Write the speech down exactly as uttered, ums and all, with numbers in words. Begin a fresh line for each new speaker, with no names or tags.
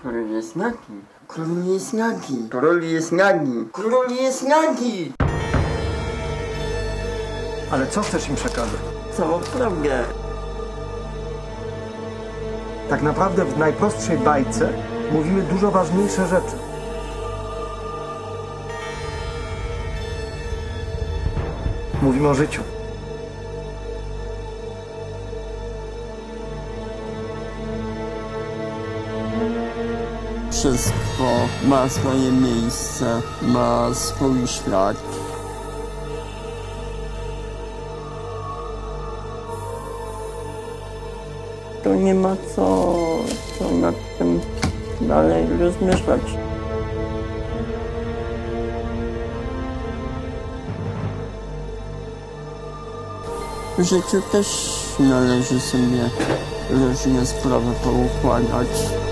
Król jest nagi. Król jest nagi. Król jest nagi. Król jest nagi.
Ale co chcesz im przekazać?
Całą prawdę.
Tak naprawdę w najprostszej bajce mówimy dużo ważniejsze rzeczy. Mówimy o życiu.
Wszystko ma swoje miejsce, ma swój świat. To nie ma co, co nad tym dalej rozmyślać. W życiu też należy sobie różne sprawy poukładać.